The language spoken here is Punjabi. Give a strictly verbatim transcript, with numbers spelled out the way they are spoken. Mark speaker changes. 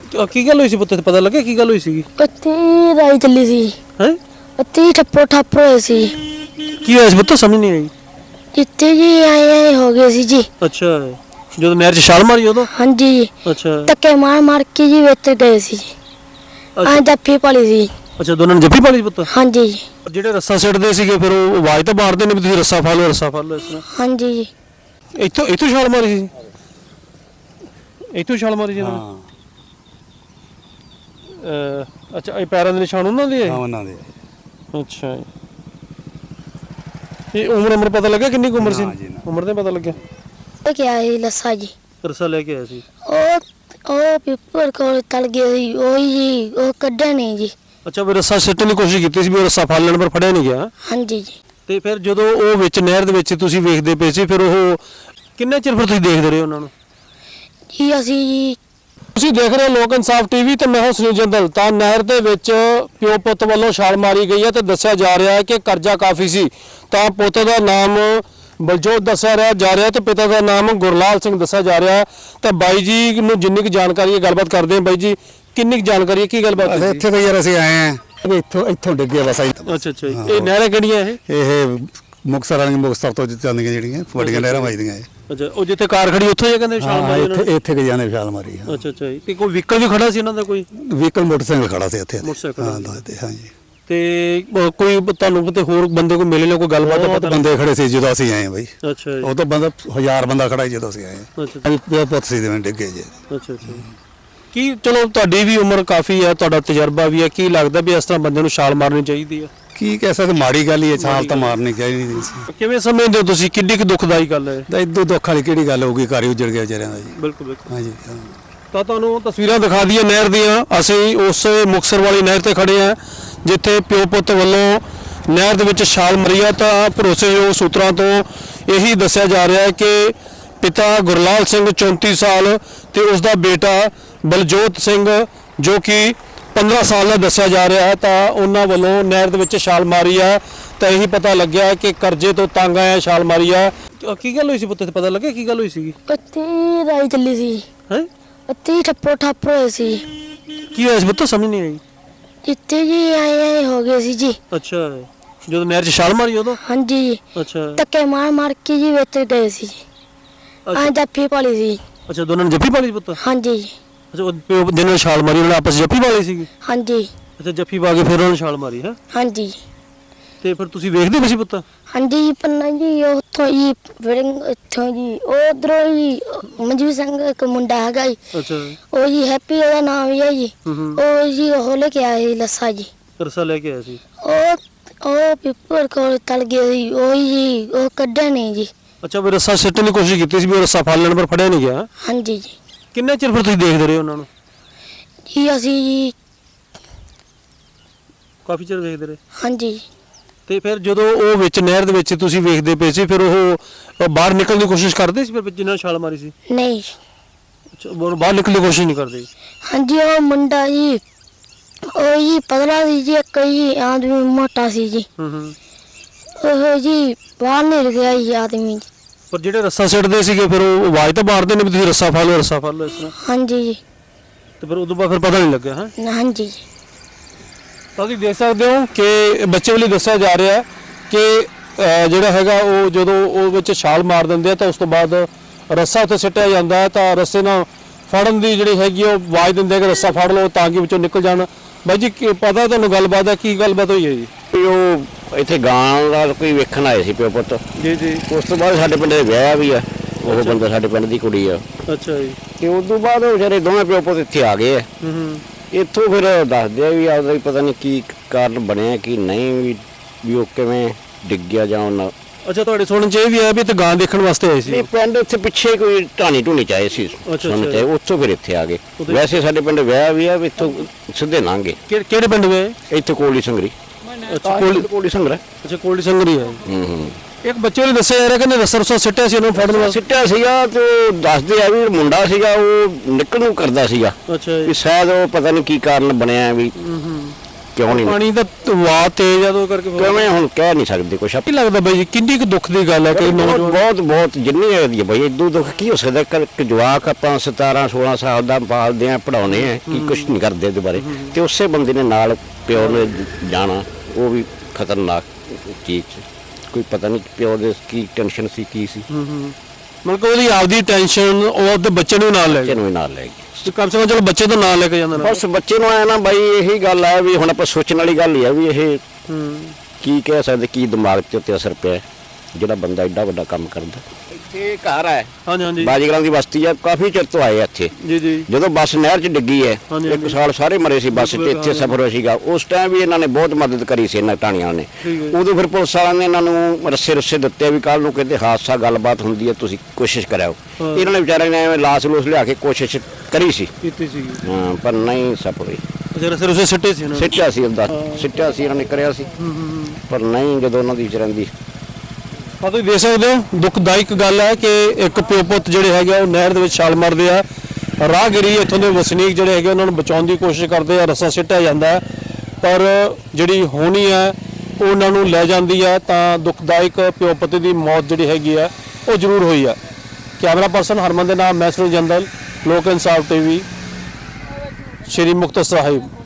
Speaker 1: ਕੀ ਗੱਲ ਹੋਈ ਸੀ ਪੁੱਤ, ਪਤਾ ਲੱਗਿਆ ਕੀ ਗੱਲ ਹੋਈ ਸੀਗੀ?
Speaker 2: ਉੱਥੇ ਰਾਈ ਚੱਲੀ ਸੀ।
Speaker 1: ਹੈ
Speaker 2: ਉੱਥੇ ਠੱਪੋ ਠੱਪ ਹੋਏ ਸੀ।
Speaker 1: ਕੀ ਹੋਇਆ ਸੀ ਪੁੱਤ, ਸਮਝ ਨਹੀਂ ਆਈ।
Speaker 2: ਜਿੱਥੇ ਜੀ ਆਏ ਆਏ ਹੋ ਗਏ ਸੀ ਜੀ।
Speaker 1: ਅੱਛਾ, ਜਦੋਂ ਨਹਿਰ 'ਚ ਛਾਲ ਮਾਰੀ ਉਦੋਂ?
Speaker 2: ਹਾਂਜੀ ਜੀ,
Speaker 1: ਅੱਛਾ
Speaker 2: ਧੱਕੇ ਮਾਰ ਮਾਰ ਕੇ ਜੀ ਵਿੱਚ ਗਏ ਸੀ ਜੀ। ਆਂ ਜੱਫੀ ਪਾਲੀ ਸੀ।
Speaker 1: ਅੱਛਾ, ਦੋਨਾਂ ਨੇ ਜੱਫੀ ਪਾਲੀ ਪੁੱਤ?
Speaker 2: ਹਾਂਜੀ ਜੀ।
Speaker 1: ਜਿਹੜੇ ਰੱਸਾ ਸਿੱਟਦੇ ਸੀਗੇ ਫਿਰ ਉਹ ਆਵਾਜ਼ ਤਾਂ ਮਾਰਦੇ ਨੇ ਵੀ ਤੁਸੀਂ ਰੱਸਾ ਫੜ ਲਓ, ਰੱਸਾ ਫੜ ਲਓ ਇਸ ਤਰ੍ਹਾਂ?
Speaker 2: ਹਾਂਜੀ ਜੀ।
Speaker 1: ਇੱਥੋਂ ਇੱਥੋਂ ਛਾਲ ਮਾਰੀ ਸੀ? ਇੱਥੋਂ ਛਾਲ ਮਾਰੀ ਜੀ?
Speaker 3: ਹਾਂ
Speaker 1: ਅਹ ਅੱਛਾ, ਇਹ ਪੈਰਾਂ ਦੇ ਨਿਸ਼ਾਨ ਉਹਨਾਂ ਦੇ?
Speaker 3: ਹਾਂ ਉਹਨਾਂ ਦੇ।
Speaker 1: ਅੱਛਾ, ਇਹ ਉਮਰ ਉਮਰ ਪਤਾ ਲੱਗਾ ਕਿੰਨੀ ਕੁ ਉਮਰ ਸੀ?
Speaker 3: ਨਾ ਜੀ, ਨਾ।
Speaker 1: ਉਮਰ ਤੇ ਪਤਾ ਲੱਗਿਆ?
Speaker 2: ਇਹ ਕਿਹਾ ਸੀ ਲੱਸਾ ਜੀ।
Speaker 1: ਰੱਸਾ ਲੈ ਕੇ ਆਇਆ ਸੀ?
Speaker 2: ਉਹ ਉਹ ਪੇਪਰ ਕੋਲ ਤਲ ਗਿਆ ਸੀ ਉਹੀ ਜੀ, ਉਹ ਕੱਢਿਆ ਨਹੀਂ ਜੀ।
Speaker 1: ਅੱਛਾ, ਵੀ ਰੱਸਾ ਸਿੱਟਣ ਦੀ ਕੋਸ਼ਿਸ਼ ਕੀਤੀ ਸੀ ਵੀ ਉਹ ਰੱਸਾ ਫੜ ਲੈਣ, ਪਰ ਫੜਿਆ ਨਹੀਂ ਗਿਆ?
Speaker 2: ਹਾਂਜੀ ਜੀ।
Speaker 1: ਤੇ ਫਿਰ ਜਦੋਂ ਉਹ ਵਿੱਚ ਨਹਿਰ ਦੇ ਵਿੱਚ ਤੁਸੀਂ ਵੇਖਦੇ ਪਏ ਸੀ, ਫਿਰ ਉਹ ਕਿੰਨੇ ਚਿਰ ਫਿਰ ਤੁਸੀਂ ਦੇਖਦੇ ਰਹੇ ਉਹਨਾਂ ਨੂੰ?
Speaker 2: ਜੀ ਅਸੀਂ ਜੀ
Speaker 1: ਤੁਸੀਂ ਦੇਖ ਰਹੇ ਹੋ ਲੋਕ ਇਨਸਾਫ ਟੀਵੀ ਤੇ ਮੈਂ ਹਾਂ ਸੁਨੀਲ ਜੰਦਲ। ਤਾਂ ਨਹਿਰ ਦੇ ਵਿੱਚ ਪਿਓ ਪੁੱਤ ਵੱਲੋਂ ਛਾਲ ਮਾਰੀ ਗਈ ਹੈ ਤੇ ਦੱਸਿਆ ਜਾ ਰਿਹਾ ਹੈ ਕਿ ਕਰਜ਼ਾ ਕਾਫੀ ਸੀ। ਤਾਂ ਪੁੱਤ ਦਾ ਨਾਮ ਬਲਜੋਤ ਦੱਸਿਆ ਰਿਹਾ ਜਾ ਰਿਹਾ ਤੇ ਪਿਤਾ ਦਾ ਨਾਮ ਗੁਰਲਾਲ ਸਿੰਘ ਦੱਸਿਆ ਜਾ ਰਿਹਾ। ਤਾਂ ਬਾਈ ਜੀ ਨੂੰ ਜਿੰਨੀ ਕੁ ਜਾਣਕਾਰੀ ਹੈ ਗੱਲਬਾਤ ਕਰਦੇ ਹਾਂ। ਬਾਈ ਜੀ, ਕਿੰਨੀ ਕੁ ਜਾਣਕਾਰੀ ਹੈ, ਕੀ ਗੱਲਬਾਤ ਹੈ?
Speaker 3: ਇੱਥੇ ਤਾਂ ਯਾਰ ਅਸੀਂ ਆਏ ਆਂ ਇੱਥੋਂ ਇੱਥੋਂ ਡਿੱਗੇ ਬਸ।
Speaker 1: ਅੱਛਾ ਅੱਛਾ, ਇਹ ਨਹਿਰਾਂ ਕਿਹੜੀਆਂ ਇਹ?
Speaker 3: ਇਹ ਮੁਕਤਸਰ ਵਾਲੀਆਂ ਮੁਕਤਸਰ ਤੋਂ ਚੱਲਦੀਆਂ ਜਿਹੜੀਆਂ ਵੱਡੀਆਂ ਨਹਿਰਾਂ ਵੱਜਦੀਆਂ ਇਹ।
Speaker 1: ਅੱਛਾ, ਉਹ ਜਿੱਥੇ ਕਾਰ ਖੜੀ ਉੱਥੇ ਹੀ ਕਹਿੰਦੇ ਛਾਲ ਮਾਰੀ ਉਹਨਾਂ ਨੇ?
Speaker 3: ਇੱਥੇ ਇੱਥੇ ਗਏ ਨੇ ਛਾਲ ਮਾਰੀ।
Speaker 1: ਅੱਛਾ ਅੱਛਾ, ਤੇ ਕੋਈ ਵਹੀਕਲ ਵੀ ਖੜਾ ਸੀ ਇਹਨਾਂ ਦਾ? ਕੋਈ
Speaker 3: ਵਹੀਕਲ ਮੋਟਰਸਾਈਕਲ ਖੜਾ ਸੀ ਇੱਥੇ।
Speaker 1: ਮੋਟਰਸਾਈਕਲ?
Speaker 3: ਹਾਂ ਦੱਸਦੇ। ਹਾਂਜੀ।
Speaker 1: ਤੇ ਅਹ ਕੋਈ ਤੁਹਾਨੂੰ ਕਿਤੇ ਹੋਰ ਬੰਦੇ ਕੋਈ ਮਿਲੇ ਨੇ, ਕੋਈ ਗੱਲਬਾਤ
Speaker 3: ਬਹੁਤ ਬੰਦੇ ਖੜੇ ਸੀ ਜਦੋਂ ਅਸੀਂ ਆਏ ਬਈ।
Speaker 1: ਅੱਛਾ ਜੀ।
Speaker 3: ਉਹ ਤਾਂ ਬੰਦਾ ਹਜ਼ਾਰ ਬੰਦਾ ਖੜਾ ਸੀ ਜਦੋਂ ਅਸੀਂ ਆਏ।
Speaker 1: ਅੱਛਾ
Speaker 3: ਪਿਓ ਪੁੱਤ ਸੀ ਜਿਵੇਂ ਡਿੱਗੇ ਜੇ।
Speaker 1: ਅੱਛਾ ਅੱਛਾ, ਕੀ ਚਲੋ ਤੁਹਾਡੀ ਵੀ ਉਮਰ ਕਾਫੀ ਹੈ, ਤੁਹਾਡਾ ਤਜਰਬਾ ਵੀ ਹੈ, ਕੀ ਲੱਗਦਾ ਵੀ ਇਸ ਤਰ੍ਹਾਂ ਬੰਦੇ ਨੂੰ ਛਾਲ ਮਾਰਨੀ ਚਾਹੀਦੀ ਹੈ?
Speaker 3: ਕੀ ਕਹਿ ਸਕਦੇ, ਮਾੜੀ ਗੱਲ ਹੀ ਹੈ। ਛਾਲ ਤਾਂ ਮਾਰਨੀ ਚਾਹੀਦੀ ਨਹੀਂ ਸੀ।
Speaker 1: ਕਿਵੇਂ ਸਮਝਦੇ ਹੋ ਤੁਸੀਂ, ਕਿੰਨੀ ਕੁ ਦੁਖਦਾਈ ਗੱਲ ਹੈ?
Speaker 3: ਤਾਂ ਇਦੋਂ ਦੁੱਖ ਵਾਲੀ ਕਿਹੜੀ ਗੱਲ ਹੋਊਗੀ, ਘਰ ਹੀ ਉਜੜ ਗਿਆ ਵਿਚਾਰਿਆਂ ਦਾ ਜੀ।
Speaker 1: ਬਿਲਕੁਲ ਬਿਲਕੁਲ।
Speaker 3: ਹਾਂਜੀ ਹਾਂ।
Speaker 1: ਤਾਂ ਤੁਹਾਨੂੰ ਤਸਵੀਰਾਂ ਦਿਖਾ ਦਈਏ ਨਹਿਰ ਦੀਆਂ। ਅਸੀਂ ਉਸ ਮੁਕਤਸਰ ਵਾਲੀ ਨਹਿਰ ਤੇ ਖੜੇ ਹਾਂ ਜਿੱਥੇ ਪਿਓ ਪੁੱਤ ਵੱਲੋਂ ਨਹਿਰ ਦੇ ਵਿੱਚ ਛਾਲ ਮਾਰੀ ਹੈ। ਤਾਂ ਭਰੋਸੇਯੋਗ ਸੂਤਰਾਂ ਤੋਂ ਇਹੀ ਦੱਸਿਆ ਜਾ ਰਿਹਾ ਹੈ ਕਿ ਪਿਤਾ ਗੁਰਲਾਲ ਸਿੰਘ ਚੌਂਤੀ ਸਾਲ ਤੇ ਉਸ ਦਾ ਬੇਟਾ ਬਲਜੋਤ ਸਿੰਘ ਜੋ ਕਿ ਪੰਦਰਾਂ ਸਾਲ ਦਾ ਦੱਸਿਆ ਜਾ ਰਿਹਾ ਹੈ, ਤਾਂ ਉਹਨਾਂ ਵੱਲੋਂ ਨਹਿਰ ਦੇ ਵਿੱਚ ਛਾਲ ਮਾਰੀ ਹੈ। ਤਾਂ ਇਹੀ ਪਤਾ ਲੱਗਿਆ ਕਿ ਕਰਜ਼ੇ ਤੋਂ ਤੰਗ ਆਇਆ ਛਾਲ ਮਾਰੀ ਹੈ। ਕੀ ਗੱਲ ਹੋਈ ਸੀ ਪੁੱਤ, ਪਤਾ ਲੱਗਿਆ ਕੀ ਗੱਲ ਹੋਈ ਸੀਗੀ?
Speaker 2: ਉੱਥੇ ਰਾਈ ਚੱਲੀ ਸੀ।
Speaker 1: ਹੈ
Speaker 2: ਉੱਥੇ ਠੱਪੋ ਠੱਪ ਹੋਏ ਸੀ।
Speaker 1: ਕੀ ਹੋਇਆ ਸੀ ਪੁੱਤ, ਸਮਝ ਨਹੀਂ ਆਈ।
Speaker 2: ਜਿੱਥੇ ਜੀ ਆਏ ਆਏ ਹੋ ਗਏ ਸੀ ਜੀ।
Speaker 1: ਅੱਛਾ, ਜਦੋਂ ਨਹਿਰ 'ਚ ਛਾਲ ਮਾਰੀ ਉਦੋਂ?
Speaker 2: ਹਾਂਜੀ ਜੀ,
Speaker 1: ਅੱਛਾ
Speaker 2: ਧੱਕੇ ਮਾਰ ਮਾਰ ਕੇ ਜੀ ਵਿੱਚ ਗਏ ਸੀ ਜੀ। ਆਂ ਜੱਫੀ ਪਾਲੀ ਸੀ।
Speaker 1: ਅੱਛਾ, ਦੋਨਾਂ ਨੇ ਜੱਫੀ ਪਾਲੀ ਪੁੱਤ?
Speaker 2: ਹਾਂਜੀ ਜੀ।
Speaker 1: ਅੱਛਾ, ਉਹ ਪਿਓ ਜਿਹਨਾਂ ਨੇ ਛਾਲ ਮਾਰੀ ਉਹਨਾਂ ਨੇ ਆਪਸ 'ਚ ਜੱਫੀ ਪਾਲੀ ਸੀਗੀ?
Speaker 2: ਹਾਂਜੀ
Speaker 1: ਅੱਛਾ, ਜੱਫੀ ਪਾ ਕੇ ਫਿਰ ਉਹਨਾਂ ਨੇ ਛਾਲ ਮਾਰੀ ਹੈ?
Speaker 2: ਹਾਂਜੀ
Speaker 1: ਤੇ ਫਿਰ ਤੁਸੀਂ ਵੇਖਦੇ ਪਏ ਸੀ ਪੁੱਤ?
Speaker 2: ਹਾਂਜੀ ਪੰਨਾ ਜੀ ਉੱਥੋਂ ਜੀ ਵਿੜੰਗ ਇੱਥੋਂ ਜੀ ਉਧਰੋਂ ਜੀ ਮਨਜੀਤ ਸਿੰਘ ਇੱਕ ਮੁੰਡਾ ਹੈਗਾ ਜੀ।
Speaker 1: ਅੱਛਾ,
Speaker 2: ਉਹ ਜੀ ਹੈਪੀ ਉਹਦਾ ਨਾਮ ਹੀ ਹੈ ਜੀ।
Speaker 1: ਹੂੰ ਹੂੰ,
Speaker 2: ਉਹ ਜੀ ਉਹ ਲੈ ਕੇ ਆਏ ਸੀ ਲੱਸਾ ਜੀ।
Speaker 1: ਰੱਸਾ ਲੈ ਕੇ ਆਇਆ ਸੀ?
Speaker 2: ਉਹ ਉਹ ਪੇਪਰ ਕੋਲ ਤਲ ਗਿਆ ਸੀ ਉਹੀ ਜੀ, ਉਹ ਕੱਢਿਆ ਨਹੀਂ ਜੀ।
Speaker 1: ਅੱਛਾ, ਵੀ ਰੱਸਾ ਸਿੱਟਣ ਦੀ ਕੋਸ਼ਿਸ਼ ਕੀਤੀ ਸੀ ਵੀ ਉਹ ਰੱਸਾ ਫੜ ਲੈਣ, ਪਰ ਫੜਿਆ ਨਹੀਂ ਗਿਆ?
Speaker 2: ਹਾਂਜੀ ਜੀ।
Speaker 1: ਕਿੰਨੇ ਚਿਰ ਫਿਰ ਤੁਸੀਂ ਦੇਖਦੇ ਰਹੇ ਉਹਨਾਂ ਨੂੰ?
Speaker 2: ਜੀ ਅਸੀਂ ਜੀ
Speaker 1: ਕਾਫੀ ਚਿਰ ਵੇਖਦੇ ਰਹੇ।
Speaker 2: ਹਾਂਜੀ।
Speaker 1: ਤੇ ਫਿਰ ਜਦੋਂ ਉਹ ਵਿੱਚ ਨਹਿਰ ਦੇ ਵਿੱਚ ਤੁਸੀਂ ਵੇਖਦੇ ਪਏ ਸੀ, ਫਿਰ ਉਹ ਬਾਹਰ ਨਿਕਲਣ ਦੀ ਕੋਸ਼ਿਸ਼ ਕਰਦੇ ਸੀ ਫਿਰ ਜਿੰਨਾਂ ਛਾਲ ਮਾਰੀ ਸੀ?
Speaker 2: ਨਹੀਂ।
Speaker 1: ਅੱਛਾ, ਉਹ ਬਾਹਰ ਨਿਕਲਣ ਦੀ ਕੋਸ਼ਿਸ਼ ਨਹੀਂ ਕਰਦੇ?
Speaker 2: ਹਾਂਜੀ, ਉਹ ਮੁੰਡਾ ਜੀ ਉਹ ਜੀ ਪਤਲਾ ਸੀ ਜੀ, ਇੱਕ ਜੀ ਆਦਮੀ ਮੋਟਾ ਸੀ ਜੀ।
Speaker 1: ਹੂੰ ਹੂੰ,
Speaker 2: ਉਹ ਜੀ ਬਾਹਰ ਨਿਕਲ ਗਿਆ ਜੀ ਆਦਮੀ ਜੀ।
Speaker 1: ਪਰ ਜਿਹੜੇ ਰੱਸਾ ਸਿੱਟਦੇ ਸੀਗੇ ਫਿਰ ਉਹ ਆਵਾਜ਼ ਤਾਂ ਮਾਰਦੇ ਨੇ ਵੀ ਤੁਸੀਂ ਰੱਸਾ ਫੜ ਲਓ, ਰੱਸਾ ਫੜ ਲਓ ਇਸ ਤਰ੍ਹਾਂ?
Speaker 2: ਹਾਂਜੀ ਜੀ।
Speaker 1: ਤੇ ਫਿਰ ਉਦੋਂ ਬਾਅਦ ਫਿਰ ਪਤਾ ਨਹੀਂ ਲੱਗਿਆ? ਹਾਂ
Speaker 2: ਹਾਂਜੀ ਜੀ।
Speaker 1: ਤਾਂ ਤੁਸੀਂ ਦੇਖ ਸਕਦੇ ਹੋ ਕਿ ਬੱਚੇ ਵੱਲੋਂ ਦੱਸਿਆ ਜਾ ਰਿਹਾ ਹੈ ਕਿ ਜਿਹੜਾ ਹੈਗਾ ਉਹ ਜਦੋਂ ਉਹ ਵਿੱਚ ਛਾਲ ਮਾਰ ਦਿੰਦੇ ਆ ਤਾਂ ਉਸ ਤੋਂ ਬਾਅਦ ਰੱਸਾ ਉੱਥੇ ਸਿੱਟਿਆ ਜਾਂਦਾ ਹੈ। ਤਾਂ ਰੱਸੇ ਨਾਲ ਫੜਨ ਦੀ ਜਿਹੜੀ ਹੈਗੀ ਉਹ ਆਵਾਜ਼ ਦਿੰਦੇ ਕਿ ਰੱਸਾ ਫੜ ਲਓ ਤਾਂ ਕਿ ਵਿੱਚੋਂ ਨਿਕਲ ਜਾਣ। ਬਾਈ ਜੀ ਪਤਾ ਤੁਹਾਨੂੰ ਗੱਲਬਾਤ ਹੈ, ਕੀ ਗੱਲਬਾਤ ਹੋਈ ਹੈ ਜੀ?
Speaker 4: ਉਹ ਇੱਥੇ ਗਾਂ ਦਾ ਕੋਈ ਵੇਖਣ ਆਏ ਸੀ ਪਿਓ ਪੁੱਤ।
Speaker 1: ਜੀ ਜੀ।
Speaker 4: ਉਸ ਤੋਂ ਬਾਅਦ ਸਾਡੇ ਪਿੰਡ ਦੇ ਵਿਆਹ ਵੀ ਆ, ਉਹ ਬੰਦਾ ਸਾਡੇ ਪਿੰਡ ਦੀ ਕੁੜੀ ਆ।
Speaker 1: ਅੱਛਾ ਜੀ।
Speaker 4: ਤੇ ਉਸ ਤੋਂ ਬਾਅਦ ਉਹ ਵਿਚਾਰੇ ਦੋਵੇਂ ਪਿਓ ਪੁੱਤ ਇੱਥੇ ਆ ਗਏ ਆ।
Speaker 1: ਹੂੰ ਹੂੰ,
Speaker 4: ਇੱਥੋਂ ਫਿਰ ਦੱਸਦੇ ਆ ਵੀ ਆਪਦਾ ਵੀ ਪਤਾ ਨਹੀਂ ਕੀ ਕਾਰਨ ਬਣਿਆ ਕੀ ਨਹੀਂ, ਵੀ ਵੀ ਉਹ ਕਿਵੇਂ ਡਿੱਗ ਗਿਆ ਜਾਂ ਉਹਨਾਂ।
Speaker 1: ਅੱਛਾ, ਤੁਹਾਡੇ ਸੁਣਨ ਚ ਇਹ ਵੀ ਆਇਆ ਵੀ ਤੇ ਗਾਂ ਦੇਖਣ ਵਾਸਤੇ ਆਏ ਸੀ?
Speaker 4: ਨਹੀਂ, ਪਿੰਡ ਇੱਥੇ ਪਿੱਛੇ ਕੋਈ ਢਾਣੀ ਢੂਣੀ ਚਾਹੇ ਸੀ ਸੁਣ ਤੇ ਉੱਥੋਂ ਫਿਰ ਇੱਥੇ ਆ ਗਏ। ਵੈਸੇ ਸਾਡੇ ਪਿੰਡ ਵਿਆਹ ਵੀ ਆ, ਵੀ ਇੱਥੋਂ ਸਿੱਧੇ ਲੰਘੇ।
Speaker 1: ਕਿਹੜੇ ਪਿੰਡ ਗਏ?
Speaker 4: ਇੱਥੇ ਕੋਲੀ ਸੰਗਰੀ।
Speaker 1: ਅੱਛਾ,
Speaker 4: ਕੋਲੀ ਸੰਗਰਾ।
Speaker 1: ਅੱਛਾ, ਕੋਲੀ ਸੰਗਰੀ ਹੈ।
Speaker 4: ਹੂੰ ਹੂੰ।
Speaker 1: ਇੱਕ ਬੱਚੇ ਨੇ ਦੱਸਿਆ ਯਾਰ ਕਹਿੰਦੇ ਰੱਸਾ ਰੁੱਸਾ ਸਿੱਟਿਆ ਸੀ ਉਹਨੂੰ ਫੜਨ ਵਾਸਤੇ?
Speaker 4: ਸਿੱਟਿਆ ਸੀਗਾ ਤੇ ਉਹ ਦੱਸਦੇ ਆ ਵੀ ਮੁੰਡਾ ਸੀਗਾ ਉਹ ਨਿਕਲ ਨੂੰ ਕਰਦਾ ਸੀਗਾ।
Speaker 1: ਅੱਛਾ ਜੀ।
Speaker 4: ਵੀ ਸ਼ਾਇਦ ਉਹ ਪਤਾ ਨਹੀਂ ਕੀ ਕਾਰਨ ਬਣਿਆ ਵੀ।
Speaker 1: ਹੂੰ ਹੂੰ।
Speaker 4: ਕਿਉਂ ਨਹੀਂ
Speaker 1: ਪਾਣੀ ਦਾ ਵਾਹ ਤੇਜ਼ ਆ ਤੋਂ ਕਰਕੇ ਫਿਰ-
Speaker 4: ਕਿਵੇਂ ਹੁਣ ਕਹਿ ਨਹੀਂ ਸਕਦੇ ਕੁਛ
Speaker 1: ਕੀ ਲੱਗਦਾ ਬਾਈ ਜੀ ਕਿੰਨੀ ਕੁ ਦੁੱਖ ਦੀ ਗੱਲ ਹੈ ਕਿ
Speaker 4: ਬਹੁਤ
Speaker 1: ਨੌਜਵਾਨ
Speaker 4: ਬਹੁਤ ਬਹੁਤ ਜਿੰਨੀ ਹੈ ਦੀ ਬਈ ਇਦੋਂ ਦੁੱਖ ਕੀ ਹੋ ਸਕਦਾ ਕਰ ਇੱਕ ਜਵਾਕ ਆਪਾਂ ਸਤਾਰਾਂ ਸੋਲਾਂ ਸਾਲ ਦਾ ਪਾਲਦੇ ਆ ਪੜਾਉਨੇ ਆ ਕੀ ਕੁਛ ਨਹੀਂ ਕਰਦੇ ਉਹਦੇ ਬਾਰੇ ਤੇ ਉਸੇ ਬੰਦੇ ਨੇ ਨਾਲ ਪਿਓ ਨੇ ਜਾਣਾ ਉਹ ਵੀ ਖਤਰਨਾਕ ਚੀਜ਼ ਸੀ। ਕੋਈ ਪਤਾ ਨਹੀਂ ਪਿਓ ਦੇ ਕੀ ਟੈਨਸ਼ਨ ਸੀ ਕੀ ਸੀ
Speaker 1: ਮਤਲਬ ਕਿ ਉਹਦੀ ਆਪਦੀ ਟੈਨਸ਼ਨ ਉਹ ਆਪਦੇ ਬੱਚੇ ਨੂੰ ਨਾਲ ਲੈ
Speaker 4: ਬੱਚੇ
Speaker 1: ਗਿਆ
Speaker 4: ਨੂੰ ਵੀ ਨਾਲ ਲੈ ਗਏ
Speaker 1: ਤੇ ਕਮ ਸੇ ਕਮ ਚਲੋ ਬੱਚੇ ਤੋਂ ਨਾਲ ਲੈ ਕੇ ਜਾਂਦਾ ਨਾ
Speaker 4: ਬਸ ਬੱਚੇ ਨੂੰ ਆਇਆ ਨਾ ਬਾਈ ਇਹੀ ਗੱਲ ਆ ਵੀ ਹੁਣ ਆਪਾਂ ਸੋਚਣ ਵਾਲੀ ਗੱਲ ਹੀ ਆ ਵੀ ਇਹ ਕੀ ਕਹਿ ਸਕਦੇ ਕੀ ਦਿਮਾਗ ਤੇ ਉੱਤੇ ਅਸਰ ਪਿਆ ਜਿਹੜਾ ਬੰਦਾ ਐਡਾ ਵੱਡਾ ਕੰਮ ਕਰਦਾ ਇੱਥੇ ਘਰ ਹੈ
Speaker 1: ਹਾਂਜੀ ਹਾਂਜੀ
Speaker 4: ਬਾਜੀਗਰਾਂ ਦੀ ਬਸਤੀ ਆ ਕਾਫੀ ਚਿਰ ਤੋਂ ਆਏ ਆ ਇੱਥੇ
Speaker 1: ਜੀ ਜੀ
Speaker 4: ਜਦੋਂ ਬੱਸ ਨਹਿਰ 'ਚ ਡਿੱਗੀ ਹੈ
Speaker 1: ਹਾਂਜੀ,
Speaker 4: ਇੱਕ
Speaker 1: ਹਾਂਜੀ।
Speaker 4: ਸਾਲ ਸਾਰੇ ਮਰੇ ਸੀ ਬੱਸ 'ਚ ਇੱਥੇ ਸਫ਼ਰ ਹੋਇਆ ਸੀਗਾ ਉਸ ਟਾਈਮ ਵੀ ਇਹਨਾਂ ਨੇ ਬਹੁਤ ਮਦਦ ਕਰੀ ਸੀ ਇਹਨਾਂ ਟਾਣੀਆਂ ਨੇ
Speaker 1: ਠੀਕ ਹੈ।
Speaker 4: ਉਦੋਂ ਫਿਰ ਪੁਲਿਸ ਵਾਲਿਆਂ ਨੇ ਇਹਨਾਂ ਨੂੰ ਰੱਸੇ ਰੱਸੇ ਦਿੱਤੇ ਵੀ ਕੱਲ ਨੂੰ ਕਿਤੇ ਹਾਦਸਾ ਗੱਲਬਾਤ ਹੁੰਦੀ ਹੈ ਤੁਸੀਂ ਕੋਸ਼ਿਸ਼ ਕਰਿਓ
Speaker 1: ਹਾਂ।
Speaker 4: ਇਹਨਾਂ ਨੇ ਵਿਚਾਰਿਆਂ ਨੇ ਐਵੇਂ ਲਾਸ ਲੂਸ ਲਿਆ ਕੇ ਕੋਸ਼ਿਸ਼ ਕਰੀ ਸੀ
Speaker 1: ਕੀਤੀ ਸੀਗੀ
Speaker 4: ਹਾਂ ਪਰ ਨਹੀਂ ਸਫਲ ਹੋਈ
Speaker 1: ਅਜਾ ਸਿਰ ਉਸੇ ਸਿੱਟੇ ਸੀ ਨਾ
Speaker 4: ਸਿੱਟਿਆ ਸੀ ਉਹਦਾ ਸਿੱਟਿਆ ਸੀ ਇਹਨਾਂ ਨੇ ਕਰਿਆ ਸੀ ਪਰ ਨਹੀਂ ਜਦੋਂ ਉਹਨਾਂ ਦੀ ਵਿਚਾਰਿਆਂ ਦੀ
Speaker 1: ਆ ਤੁਸੀਂ ਦੇਖ ਸਕਦੇ ਹੋ ਦੁਖਦਾਇਕ ਗੱਲ ਹੈ ਕਿ ਇੱਕ ਪਿਓ ਪੁੱਤ ਜਿਹੜੇ ਹੈਗੇ ਆ ਉਹ ਨਹਿਰ ਦੇ ਵਿੱਚ ਛਾਲ ਮਾਰਦੇ ਆ ਰਾਹਗੀਰੀ ਇੱਥੋਂ ਦੇ ਵਸਨੀਕ ਜਿਹੜੇ ਹੈਗੇ ਉਹਨਾਂ ਨੂੰ ਬਚਾਉਣ ਦੀ ਕੋਸ਼ਿਸ਼ ਕਰਦੇ ਆ ਰੱਸਾ ਸਿੱਟਿਆ ਜਾਂਦਾ ਹੈ ਪਰ ਜਿਹੜੀ ਹੋਣੀ ਹੈ ਉਹ ਉਹਨਾਂ ਨੂੰ ਲੈ ਜਾਂਦੀ ਹੈ ਤਾਂ ਦੁਖਦਾਇਕ ਪਿਓ ਪੁੱਤ ਦੀ ਮੌਤ ਜਿਹੜੀ ਹੈਗੀ ਆ ਉਹ ਜ਼ਰੂਰ ਹੋਈ ਆ ਕੈਮਰਾ ਪਰਸਨ ਹਰਮਨ ਦੇ ਨਾਮ ਮੈਂ ਸੁਨੀਲ ਜੰਦਲ ਲੋਕ ਇਨਸਾਫ ਟੀਵੀ ਸ਼੍ਰੀ ਮੁਕਤਸਰ ਸਾਹਿਬ।